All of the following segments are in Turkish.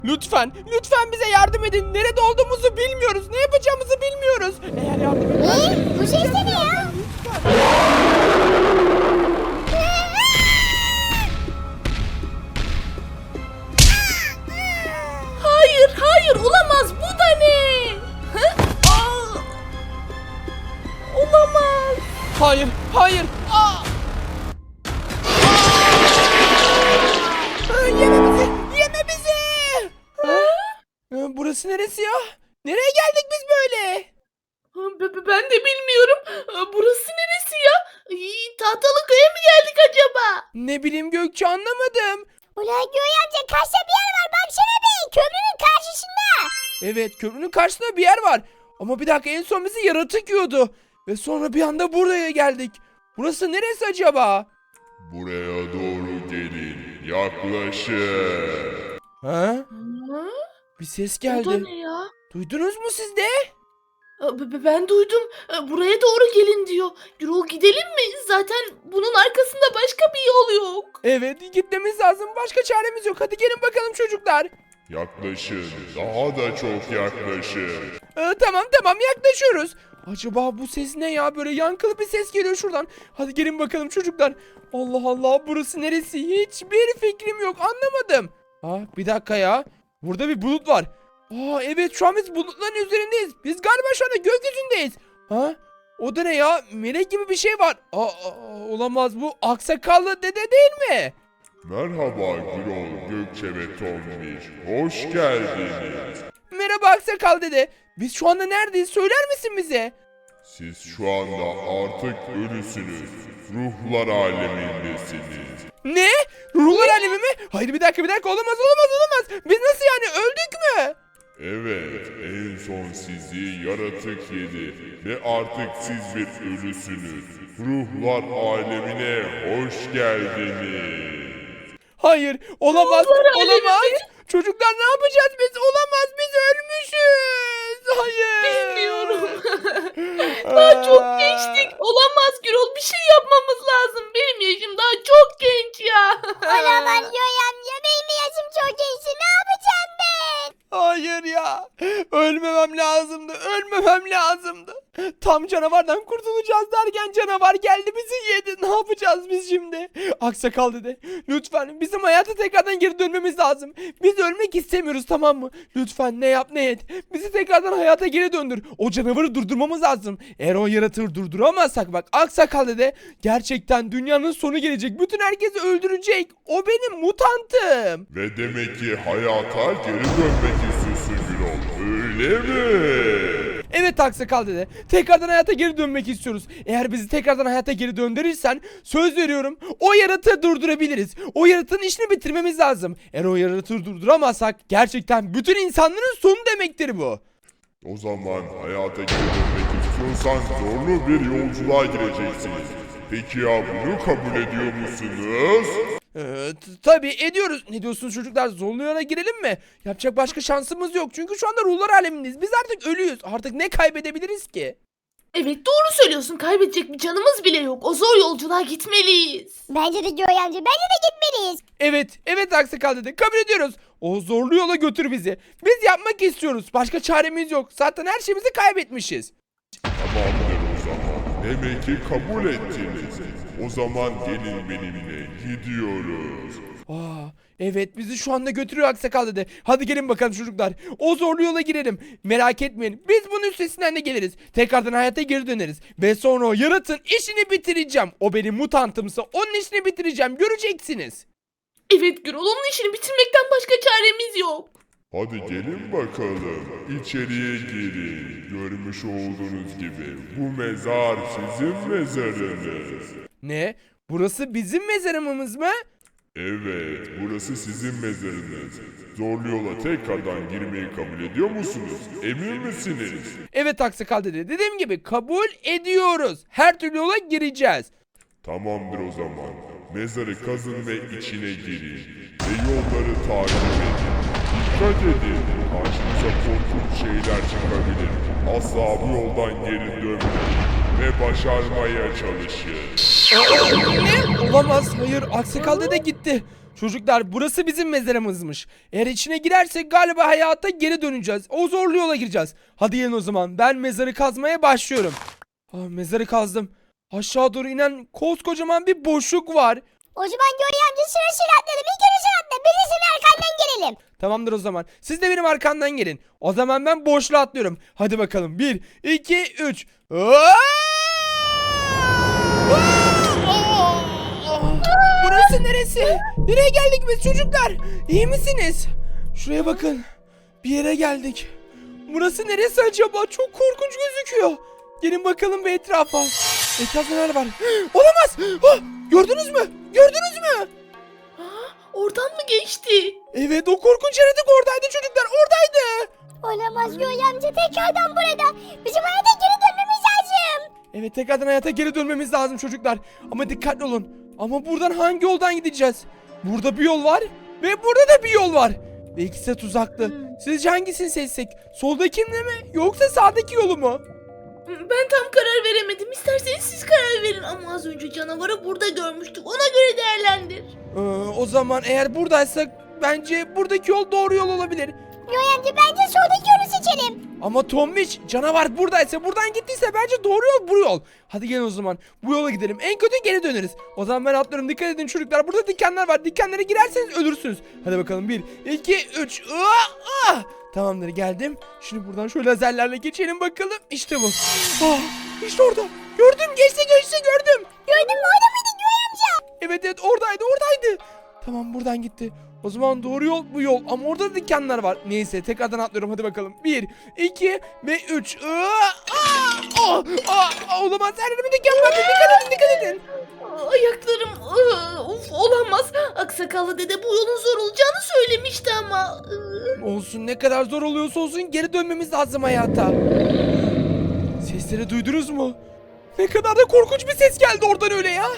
Lütfen bize yardım edin. Nerede olduğumuzu bilmiyoruz. Ne yapacağımızı bilmiyoruz. Eğer yardım ederseniz... Bu ses ne ya? Hayır olamaz, bu da ne? Hı? Aa! Olamaz. Hayır. Yeme bizi. Burası neresi ya? Nereye geldik biz böyle? Ben de bilmiyorum. Burası neresi ya? Tahtalı köye mi geldik acaba? Ne bileyim Gökçe, anlamadım. Ulan Göğe amca karşıda bir yer var baksana be, köprünün karşısında. Evet, köprünün karşısında bir yer var. Ama bir dakika, en son bizi yaratık yiyordu. Ve sonra bir anda buraya geldik. Burası neresi acaba? Buraya doğru gelin. Yaklaşın. Ha? Ha? Bir ses Bu da geldi. ne ya? Duydunuz mu siz de? Ben duydum. Buraya doğru gelin diyor. Yürü gidelim mi? Zaten bunun arkasında başka bir yol yok. Evet, gitmemiz lazım. Başka çaremiz yok. Hadi gelin bakalım çocuklar. Yaklaşın. Daha da çok yaklaşın. Tamam yaklaşıyoruz. Acaba bu ses ne ya? Böyle yankılı bir ses geliyor şuradan. Hadi gelin bakalım çocuklar. Allah Allah, burası neresi? Hiçbir fikrim yok, anlamadım. Bir dakika ya. Burada bir bulut var. Evet, şu an biz bulutların üzerindeyiz. Biz galiba şu anda gökyüzündeyiz. O da ne ya? Melek gibi bir şey var. Olamaz, bu aksakallı dede değil mi? Merhaba Gürol, Gökçe ve Tombiş. Hoş geldiniz. Merhaba aksakal dede. Biz şu anda neredeyiz? Söyler misin bize? Siz şu anda artık ölüsünüz. Ruhlar alemindesiniz. Ne? Ruhlar alemi mi? Hayır, bir dakika, olamaz. Biz nasıl yani, öldük mü? Evet, en son sizi yaratık yedi ve artık siz bir ölüsünüz. Ruhlar alemine hoş geldiniz. Hayır, olamaz. alemi mi? Çocuklar, ne yapacağız biz? Olamaz, biz ölmüşüz. Hayır. Bilmiyorum. Daha çok gençtik. Olamaz Gürol. Bir şey yapmamız lazım. Benim yaşım daha çok genç ya. Olamaz Göğe amca, benim yaşım çok genç, ne yapacağım ben? Hayır ya. Ölmemem lazımdı. Tam canavardan kurtulacağız derken canavar geldi, bizi yedi. Ne yapacağız biz şimdi? Aksakal dede, lütfen bizim hayata tekrardan geri dönmemiz lazım. Biz ölmek istemiyoruz, tamam mı? Lütfen ne yap ne et, bizi tekrardan hayata geri döndür. O canavarı durdurmamız lazım. Eğer o yaratığı durduramazsak, bak Aksakal dede, gerçekten dünyanın sonu gelecek. Bütün herkesi öldürecek. O benim mutantım. Ve demek ki hayata geri dönmek istiyorsun Gürol, öyle mi? Evet Aksakal dede, tekrardan hayata geri dönmek istiyoruz. Eğer bizi tekrardan hayata geri döndürürsen, söz veriyorum, o yaratığı durdurabiliriz. O yaratığın işini bitirmemiz lazım. Eğer o yaratığı durduramazsak, gerçekten bütün insanların sonu demektir bu. O zaman hayata geri dönmek istiyorsan zorlu bir yolculuğa gireceksiniz. Peki ya bunu kabul ediyor musunuz? Tabii ediyoruz. Ne diyorsunuz çocuklar, zorlu yola girelim mi? Yapacak başka şansımız yok. Çünkü şu anda ruhlar alemindeyiz. Biz artık ölüyüz. Artık ne kaybedebiliriz ki? Evet doğru söylüyorsun. Kaybedecek bir canımız bile yok. O zor yolculuğa gitmeliyiz. Bence de Göğe amca, bence de gitmeliyiz. Evet Aksakal dede, kabul ediyoruz. O zorlu yola götür bizi. Biz yapmak istiyoruz. Başka çaremiz yok. Zaten her şeyimizi kaybetmişiz. Tamamdır o zaman. Demek ki kabul ettiniz. O zaman gelin benimle, gidiyoruz. Evet, bizi şu anda götürüyor Aksakal dede. Hadi gelin bakalım çocuklar. O zorlu yola girelim. Merak etmeyin. Biz bunun üstesinden de geliriz. Tekrardan hayata geri döneriz. Ve sonra o yaratığın işini bitireceğim. O benim mutantımsa onun işini bitireceğim. Göreceksiniz. Evet Gürol, onun işini bitirmekten başka çaremiz yok. Hadi gelin bakalım, içeriye girin. Görmüş olduğunuz gibi bu mezar sizin mezarınız. Ne? Burası bizim mezarımız mı? Evet, burası sizin mezarınız. Zorlu yola tekrardan girmeyi kabul ediyor musunuz? Emin misiniz? Evet Aksakal dede. Dediğim gibi kabul ediyoruz. Her türlü yola gireceğiz. Tamamdır o zaman. Mezarı kazın ve içine girin. Ve yolları takip edin. Dikkat edin. Karşınıza korkunç şeyler çıkabilir. Asla bu yoldan geri dönmeyin. Ve başarmaya çalışın. Ne? Olamaz. Hayır. Aksakal dede gitti. Çocuklar burası bizim mezarımızmış. Eğer içine girersek galiba hayata geri döneceğiz. O zorlu yola gireceğiz. Hadi gelin o zaman. Ben mezarı kazmaya başlıyorum. Mezarı kazdım. Aşağı doğru inen koskocaman bir boşluk var. O zaman Göğe amca sırasıyla atlayalım. İlk önce sen atla. Biz de senin arkandan gelelim. Tamamdır o zaman. Siz de benim arkamdan gelin. O zaman ben boşluğa atlıyorum. Hadi bakalım. 1, 2, 3. Burası neresi? Nereye geldik biz çocuklar? İyi misiniz? Şuraya bakın. Bir yere geldik. Burası neresi acaba? Çok korkunç gözüküyor. Gelin bakalım bir etrafa. Etrafta neler var? Olamaz. Gördünüz mü? Gördünüz mü? Oradan mı geçti? Evet, o korkunç yaratık oradaydı çocuklar. Oradaydı. Olamaz Göğe amca tekrardan burada. Bizim hayata geri dönmemiz lazım. Evet, tekrardan hayata geri dönmemiz lazım çocuklar. Ama dikkatli olun. Ama buradan hangi yoldan gideceğiz? Burada bir yol var ve burada da bir yol var. Ve ikisi de tuzaklı. Sizce hangisini seçsek? Soldakini mi yoksa sağdaki yolu mu? Ben tam karar veremedim. İsterseniz siz karar verin. Ama az önce canavarı burada görmüştük. Ona göre değerlendir. O zaman eğer buradaysak bence buradaki yol doğru yol olabilir. Göğe amca bence soldaki yolu seçelim. Ama Tombiç, canavar buradaysa, buradan gittiyse bence doğru yol bu yol. Hadi gelin o zaman. Bu yola gidelim. En kötü geri döneriz. O zaman ben atlıyorum. Dikkat edin çocuklar. Burada dikenler var. Dikenlere girerseniz ölürsünüz. Hadi bakalım. 1, 2, 3. Tamamdır, geldim. Şimdi buradan şöyle lazerlerle geçelim bakalım. İşte bu. İşte orada. Gördüm. Geçti gördüm. Gördün mü orada mıydı Göğe amca? Evet oradaydı. Tamam, buradan gitti. O zaman doğru yol bu yol. Ama orada da dikenler var. Neyse, tekrardan atlıyorum. Hadi bakalım. 1, 2 ve 3. Olamaz. Her yerime diken var. Dikkat edin. Ayaklarım of olamaz. Aksakallı dede bu yolun zor olacağını söylemişti ama. Olsun, ne kadar zor oluyorsa olsun geri dönmemiz lazım hayata. Sesleri duydunuz mu? Ne kadar da korkunç bir ses geldi oradan öyle ya.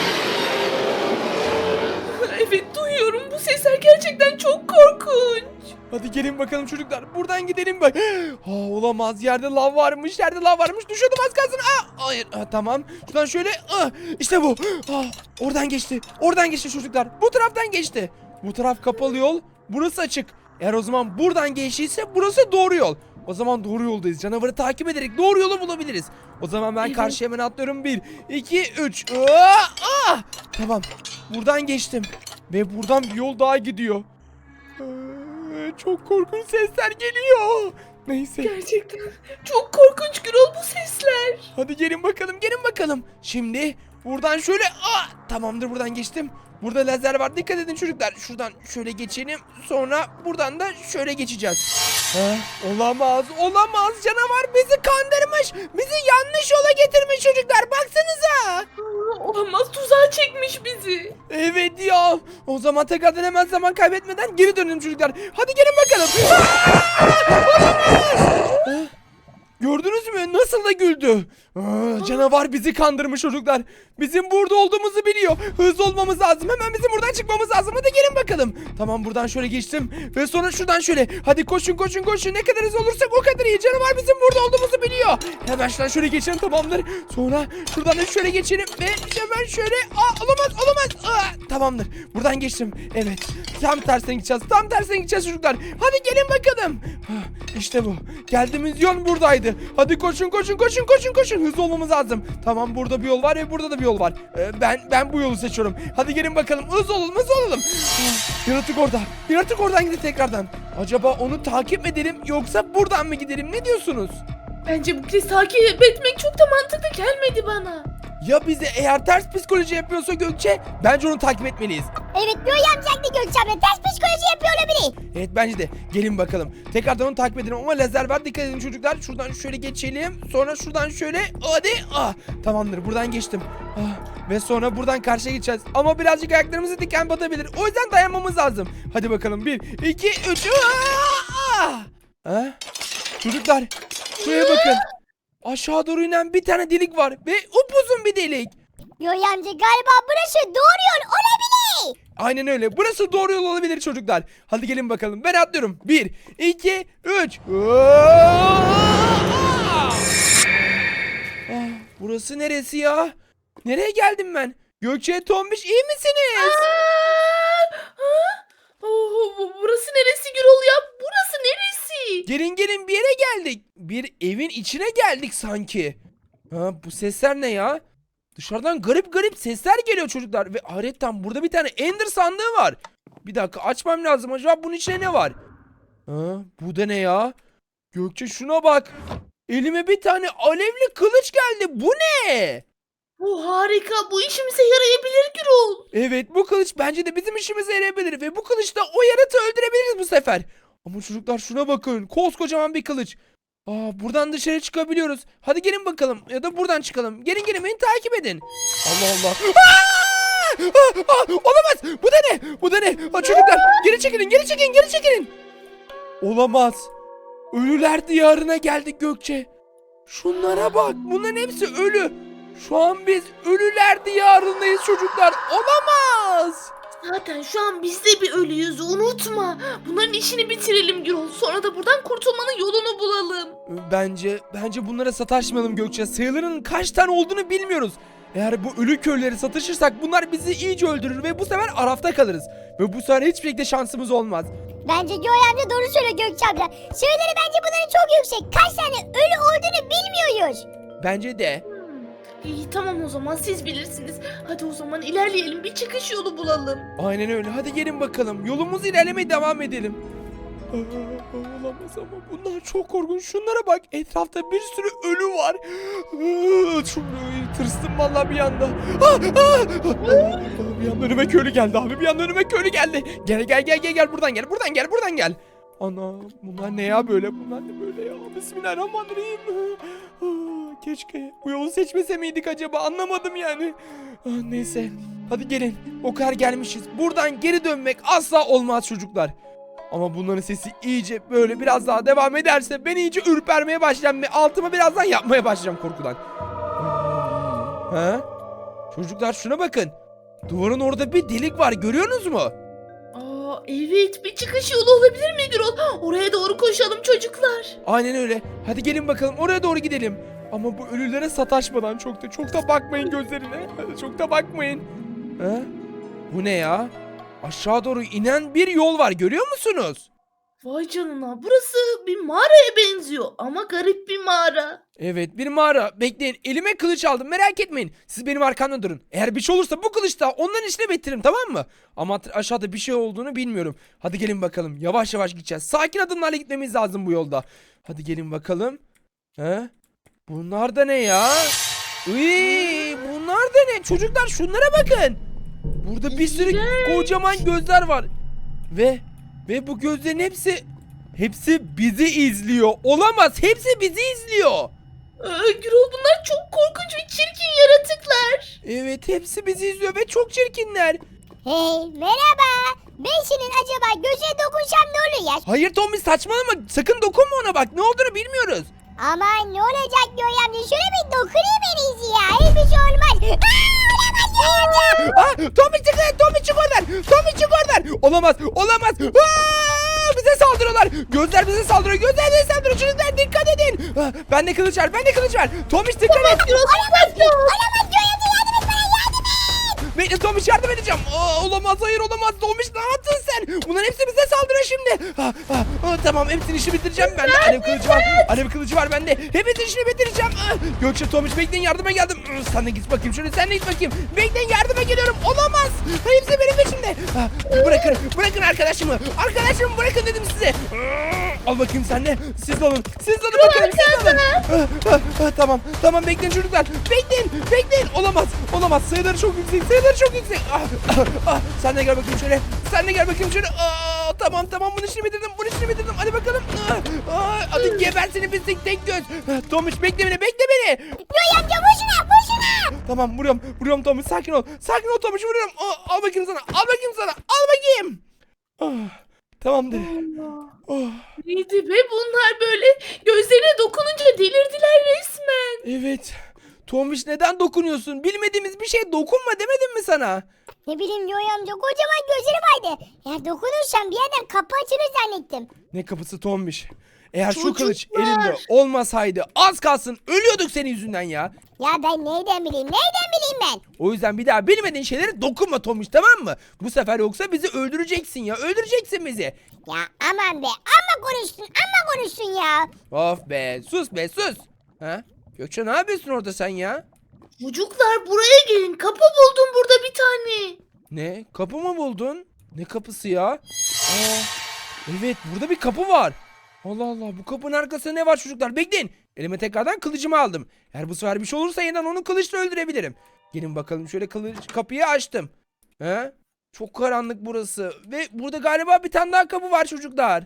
Evet duyuyorum. Bu sesler gerçekten çok korkunç. Hadi gelin bakalım çocuklar. Buradan gidelim bak. Olamaz. Yerde lav varmış. Düşüyordum az kalsın. Hayır. Tamam. Şuradan şöyle. İşte bu. Oradan geçti. Çocuklar. Bu taraftan geçti. Bu taraf kapalı yol. Burası açık. Eğer o zaman buradan geçtiyse burası doğru yol. O zaman doğru yoldayız. Canavarı takip ederek doğru yolu bulabiliriz. O zaman ben karşıya hemen atlıyorum. 1, 2, 3. Tamam. Buradan geçtim. Ve buradan bir yol daha gidiyor. Çok korkunç sesler geliyor. Neyse. Gerçekten çok korkunç Gürol bu sesler. Hadi gelin bakalım. Şimdi buradan şöyle. Tamamdır, buradan geçtim. Burada lazer var. Dikkat edin çocuklar. Şuradan şöyle geçelim. Sonra buradan da şöyle geçeceğiz. Olamaz. Canavar bizi kandırmış. Bizi yanlış yola getirmiş çocuklar. Baksanıza. Olamaz, tuzağa çekmiş bizi. Evet ya. O zaman tekrardan hemen zaman kaybetmeden geri dönelim çocuklar. Hadi gelin bakalım. Olamaz. Gördünüz mü? Nasıl da güldü. Canavar bizi kandırmış çocuklar. Bizim burada olduğumuzu biliyor. Hızlı olmamız lazım. Hemen bizim buradan çıkmamız lazım. Hadi gelin bakalım. Tamam, buradan şöyle geçtim. Ve sonra şuradan şöyle. Hadi koşun. Ne kadar hızlı olursak o kadar iyi. Canavar bizim burada olduğumuzu biliyor. Hemen şuradan şöyle geçelim, tamamdır. Sonra şuradan da şöyle geçelim. Ve hemen şöyle. Olamaz. Tamamdır. Buradan geçtim. Evet. Tam tersine gideceğiz çocuklar. Hadi gelin bakalım. İşte bu. Geldiğimiz yol buradaydı. Hadi koşun. Hızlı olmamız lazım. Tamam, burada bir yol var ve burada da bir yol var. Ben bu yolu seçiyorum. Hadi gelin bakalım. Hızlı olalım. Yaratık oradan gitti tekrardan. Acaba onu takip mi edelim yoksa buradan mı gidelim? Ne diyorsunuz? Bence bu kez takip etmek çok da mantıklı gelmedi bana. Ya bize eğer ters psikoloji yapıyorsa Gökçe, bence onu takip etmeliyiz. Evet Göğe amca haklı Gökçe abla. Ters psikoloji yapıyor olabilir. Evet, bence de. Gelin bakalım. Tekrardan onu takip edelim ama lazer var. Dikkat edin çocuklar. Şuradan şöyle geçelim. Sonra şuradan şöyle. Hadi. Tamamdır. Buradan geçtim. Ve sonra buradan karşıya geçeceğiz. Ama birazcık ayaklarımızı diken batabilir. O yüzden dayanmamız lazım. Hadi bakalım. 1, 2, 3. Çocuklar. Şuraya bakın. Aşağı doğru inen bir tane delik var. Ve upuzun bir delik. Göğe amca galiba burası doğru yol olabilir. Aynen öyle. Burası doğru yol olabilir çocuklar. Hadi gelin bakalım. Ben atlıyorum. 1, 2, 3. Burası neresi ya? Nereye geldim ben? Gökçe, Tombiş, iyi misiniz? Burası neresi Gürol ya? Burası neresi? Gelin bir yere geldik. Bir evin içine geldik sanki. Ha, bu sesler ne ya? Dışarıdan garip sesler geliyor çocuklar. Ve ayrıca burada bir tane Ender sandığı var. Bir dakika açmam lazım. Acaba bunun içine ne var? Ha, bu da ne ya? Gökçe şuna bak. Elime bir tane alevli kılıç geldi. Bu ne? Bu harika. Bu işimize yarayabilir Gürol. Evet bu kılıç bence de bizim işimize yarayabilir. Ve bu kılıçla o yaratığı öldürebiliriz bu sefer. Ama çocuklar şuna bakın. Koskocaman bir kılıç. Buradan dışarı çıkabiliyoruz. Hadi gelin bakalım. Ya da buradan çıkalım. Gelin beni takip edin. Allah Allah. Olamaz. Bu da ne? Bu da ne? Çocuklar geri çekilin. Olamaz. Ölüler diyarına geldik Gökçe. Şunlara bak. Bunların hepsi ölü. Şu an biz ölüler diyarındayız çocuklar. Olamaz. Zaten şu an biz de bir ölüyüz. Unutma. Bunların işini bitirelim Gürol. Sonra da buradan kurtulmanın yolunu bulalım. Bence bunlara sataşmayalım Gökçe. Sayıların kaç tane olduğunu bilmiyoruz. Eğer bu ölü köyleri satışırsak bunlar bizi iyice öldürür ve bu sefer arafta kalırız. Ve bu sefer hiçbir şekilde şansımız olmaz. Bence Göğe amca doğru söylüyor Gökçe abla. Sayıları bence bunların çok yüksek. Kaç tane ölü olduğunu bilmiyoruz. Bence de. İyi tamam o zaman siz bilirsiniz. Hadi o zaman ilerleyelim. Bir çıkış yolu bulalım. Aynen öyle. Hadi gelin bakalım. Yolumuzu ilerlemeye devam edelim. Olamaz ama bunlar çok korkunç. Şunlara bak. Etrafta bir sürü ölü var. Çok tırstım vallahi bir anda. Bir anda önüme köylü geldi abi. Bir anda önüme köylü geldi. Gel buradan gel. Ana bunlar ne ya böyle? Bunlar ne böyle ya? Bismillahirrahmanirrahim. Keşke bu yolu seçmese miydik acaba? Anlamadım yani. Neyse. Hadi gelin. O kadar gelmişiz. Buradan geri dönmek asla olmaz çocuklar. Ama bunların sesi iyice böyle biraz daha devam ederse ben iyice ürpermeye başlayacağım ve altıma birazdan yapmaya başlayacağım korkudan. Ha? Çocuklar şuna bakın. Duvarın orada bir delik var, görüyorsunuz mu? Evet, bir çıkış yolu olabilir mi Gürol? Oraya doğru koşalım çocuklar. Aynen öyle. Hadi gelin bakalım oraya doğru gidelim. Ama bu ölülere sataşmadan çok da bakmayın gözlerine. Çok da bakmayın. Ha? Bu ne ya? Aşağı doğru inen bir yol var, görüyor musunuz? Vay canına, burası bir mağaraya benziyor ama garip bir mağara. Evet, bir mağara. Bekleyin, elime kılıç aldım, merak etmeyin. Siz benim arkamda durun. Eğer bir şey olursa bu kılıçla onların işine bitiririm, tamam mı? Ama aşağıda bir şey olduğunu bilmiyorum. Hadi gelin bakalım, yavaş gideceğiz. Sakin adımlarla gitmemiz lazım bu yolda. Hadi gelin bakalım. He? Bunlar da ne ya? Bunlar da ne? Çocuklar şunlara bakın. Burada bir sürü kocaman gözler var. Ve bu gözlerin hepsi bizi izliyor. Olamaz. Hepsi bizi izliyor. Gürol, bunlar çok korkunç ve çirkin yaratıklar. Evet, hepsi bizi izliyor ve çok çirkinler. Hey merhaba. Ben senin acaba gözüne dokunsam ne olur ya? Hayır Tommy, saçmalama. Sakın dokunma ona, bak. Ne olduğunu bilmiyoruz. Aman ne olacak Göğe amca? Şöyle bir dokunayım en iyisi ya. Hiçbir şey olmaz. Olamaz Göğe amca. Tommy çık oradan. Olamaz. Bize saldırıyorlar. Gözler bize saldırıyor. Çocuklar dikkat edin. Ben de kılıç var. Tommy dikkat et. Olamaz Göğe amca, yardım et bana, yardım et. Bekle Tommy, yardım edeceğim. Olamaz. Tommy ne yaptın sen? Bunların hepsi bize saldırıyor şimdi. Tamam, hepsinin işini bitireceğim ben de. Alev kılıcı var bende. Hepsinin işini bitireceğim. Gökçe, Tommy bekleyin, yardıma geldim. Sen de git bakayım şöyle, Bekleyin, yardıma geliyorum. Olamaz. Hepsi benim peşimde. Bırakın arkadaşımı. Bırakın dedim size. Al bakayım sen de. Siz de alın bakalım. Tamam bekleyin çocuklar. Bekleyin. Olamaz. Sayıları çok yüksek. Sen de gel bakayım şöyle. Tamam bunun işini bitirdim. Hadi bakalım. Hadi geber seni pislik tek göz. Tomuş bekle beni. Göğe amca vur şuna. Tamam vuruyorum Tomuş, sakin ol Tomuş, vuruyorum. Al bakayım sana. Tamamdır. Neydi be bunlar böyle? Gözlerine dokununca delirdiler resmen. Evet. Tomuş neden dokunuyorsun? Bilmediğimiz bir şey dokunma demedim mi sana? Ne bileyim Yoy amca kocaman gözleri vardı. Eğer dokunursam bir yerden kapı açılır zannettim. Ne kapısı Tombiş. Eğer şu Çocuklar. kılıç elimde olmasaydı az kalsın ölüyorduk senin yüzünden ya. Ya ben neyden bileyim ben. O yüzden bir daha bilmediğin şeylere dokunma Tombiş, tamam mı? Bu sefer yoksa bizi öldüreceksin ya. Öldüreceksin bizi. Ya aman be amma konuştun ya. Of be, sus be, sus. Ha? Gökçe ne yapıyorsun orada sen ya? Çocuklar buraya gelin. Kapı buldum burada bir tane. Ne? Kapı mı buldun? Ne kapısı ya? Aa, evet, burada bir kapı var. Allah Allah, bu kapının arkasında ne var çocuklar? Bekleyin. Elime tekrardan kılıcımı aldım. Eğer bu sefer bir şey olursa yeniden onu kılıçla öldürebilirim. Gelin bakalım, şöyle kapıyı açtım. He? Çok karanlık burası. Ve burada galiba bir tane daha kapı var çocuklar.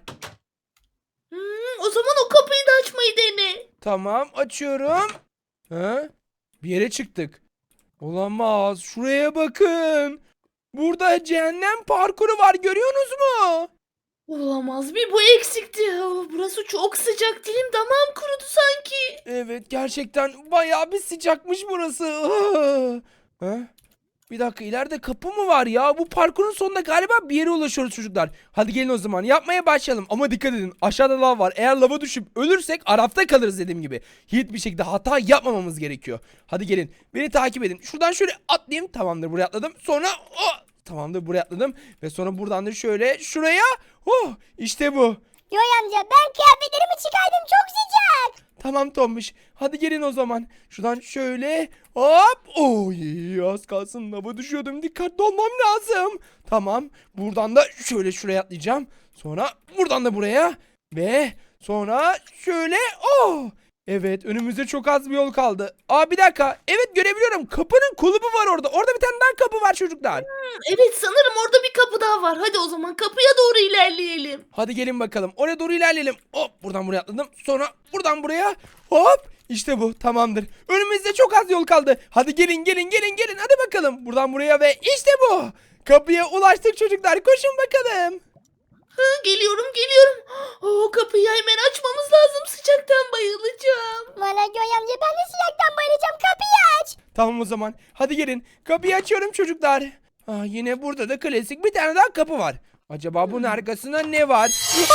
O zaman o kapıyı da açmayı dene. Tamam, açıyorum. He? Bir yere çıktık. Olamaz. Şuraya bakın. Burada cehennem parkuru var, görüyorsunuz mu? Olamaz, bir bu eksikti. Burası çok sıcak, dilim damağım kurudu sanki. Evet, gerçekten bayağı bir sıcakmış burası. Ha? Bir dakika, ileride kapı mı var ya? Bu parkurun sonunda galiba bir yere ulaşıyoruz çocuklar. Hadi gelin o zaman yapmaya başlayalım. Ama dikkat edin, aşağıda lav var. Eğer lava düşüp ölürsek arafta kalırız dediğim gibi. Hiçbir şekilde hata yapmamamız gerekiyor. Hadi gelin, beni takip edin. Şuradan şöyle atlayayım. Tamamdır, buraya atladım. Sonra tamamdır, buraya atladım. Ve sonra buradan da şöyle şuraya. İşte bu. Yoy amca ben kıyafetlerimi çıkardım çok sıcak. Tamam Tombiş. Hadi gelin o zaman. Şuradan şöyle hop. Oy, az kalsın lava düşüyordum. Dikkatli olmam lazım. Tamam. Buradan da şöyle şuraya atlayacağım. Sonra buradan da buraya. Ve sonra şöyle. Evet, önümüzde çok az bir yol kaldı. Bir dakika. Evet, görebiliyorum. Kapının kulübü var orada. Orada bir tane daha kapı var çocuklar. Evet, sanırım orada bir kapı daha var. Hadi o zaman kapıya doğru ilerleyelim. Hadi gelin bakalım. Oraya doğru ilerleyelim. Hop, buradan buraya atladım. Sonra buradan buraya. Hop. İşte bu. Tamamdır. Önümüzde çok az yol kaldı. Hadi gelin. Hadi bakalım. Buradan buraya ve işte bu. Kapıya ulaştık çocuklar. Koşun bakalım. Geliyorum. O kapıyı hemen açmamız lazım. Sıcaktan bayılacağım. Valla Yoy amca ben de sıcaktan bayılacağım kapıyı aç. Tamam o zaman. Hadi gelin. Kapıyı açıyorum çocuklar. Yine burada da klasik bir tane daha kapı var. Acaba bunun arkasında ne var?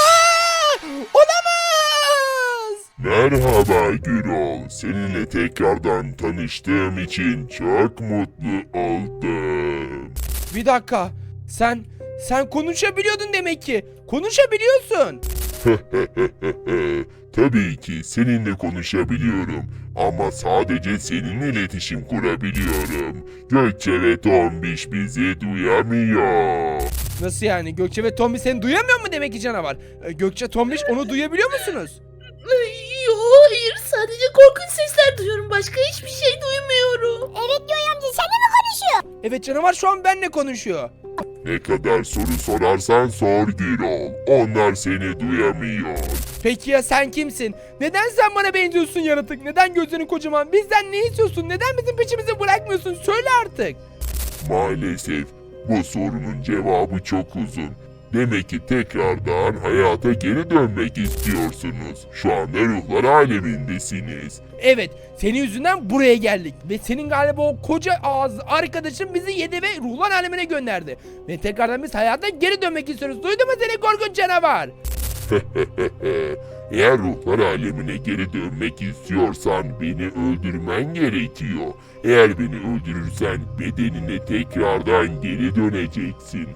Olamaz. Merhaba Gürol. Seninle tekrardan tanıştığım için çok mutlu oldum. Bir dakika. Sen konuşabiliyordun demek ki. Konuşabiliyorsun. Tabii ki seninle konuşabiliyorum ama sadece seninle iletişim kurabiliyorum. Gökçe ve Tombiş bizi duyamıyor. Nasıl yani? Gökçe ve Tombiş seni duyamıyor mu demek ki canavar? Gökçe, Tombiş onu duyabiliyor musunuz? Hayır, sadece korkunç sesler duyuyorum. Başka hiçbir şey duymuyorum. Evet Yoy amca seninle mi konuşuyor? Evet, canavar şu an benimle konuşuyor. Ne kadar soru sorarsan sor Gürol. Onlar seni duyamıyor. Peki ya sen kimsin? Neden sen bana benziyorsun yaratık? Neden gözlerin kocaman? Bizden ne istiyorsun? Neden bizim peşimizi bırakmıyorsun? Söyle artık. Maalesef bu sorunun cevabı çok uzun. Demek ki tekrardan hayata geri dönmek istiyorsunuz. Şu anda ruhlar alemindesiniz. Evet, senin yüzünden buraya geldik. Ve senin galiba o koca ağızlı arkadaşın bizi yedi ve ruhlar alemine gönderdi. Ve tekrardan biz hayata geri dönmek istiyoruz. Duydun mu seni korkunç canavar? Eğer ruhlar alemine geri dönmek istiyorsan beni öldürmen gerekiyor. Eğer beni öldürürsen bedenine tekrardan geri döneceksin.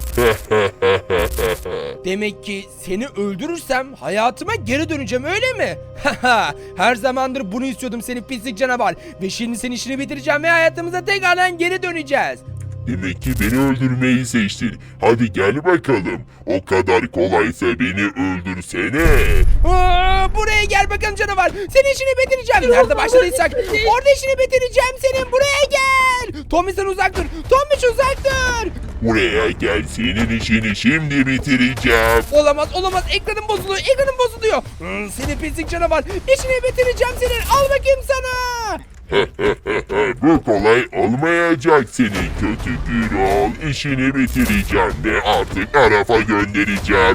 Demek ki seni öldürürsem hayatıma geri döneceğim, öyle mi? Her zamandır bunu istiyordum seni pislik canavar. Ve şimdi senin işini bitireceğim ve hayatımıza tekrardan geri döneceğiz. Demek ki beni öldürmeyi seçtin. Hadi gel bakalım. O kadar kolaysa beni öldürsene. Buraya gel bakalım canavar. Senin işini bitireceğim. Nerede başladıysak orada işini bitireceğim senin. Buraya gel. Tommy sen uzak dur. Tommy uzak dur. Buraya gel, senin işini şimdi bitireceğim. Olamaz. Ekranım bozuluyor. Seni pislik canavar. İşini bitireceğim senin. Al bakayım sana. Bu kolay olmayacak senin kötü Gürol. İşini bitireceğim ve artık Araf'a göndereceğim.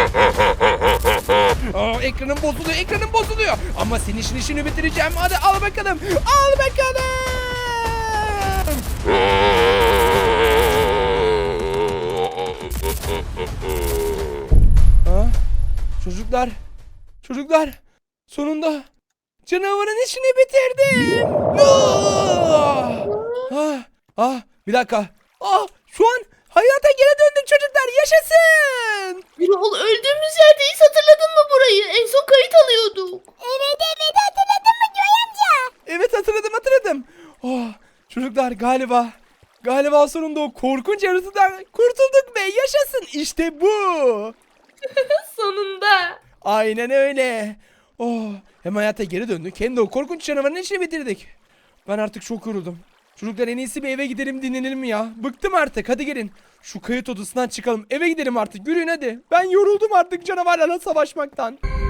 Ekranım bozuluyor. Ama senin işini bitireceğim. Hadi al bakalım. Al bakalım. Çocuklar sonunda canavarın işini bitirdim. Ah, bir dakika. Şu an hayata geri döndük çocuklar, yaşasın. Gürol öldüğümüz yerdeyiz, hatırladın mı burayı? En son kayıt alıyorduk. Evet hatırladın mı Göğe amca? Evet, hatırladım. Çocuklar galiba sonunda o korkunç yaratıdan kurtulduk be, yaşasın, işte bu. Sonunda. Aynen öyle. Hem hayata geri döndük hem de o korkunç canavarın işini bitirdik. Ben artık çok yoruldum. Çocuklar en iyisi bir eve gidelim, dinlenelim ya. Bıktım artık, hadi gelin. Şu kayıt odasından çıkalım, eve gidelim artık, yürüyün hadi. Ben yoruldum artık canavarlarla savaşmaktan.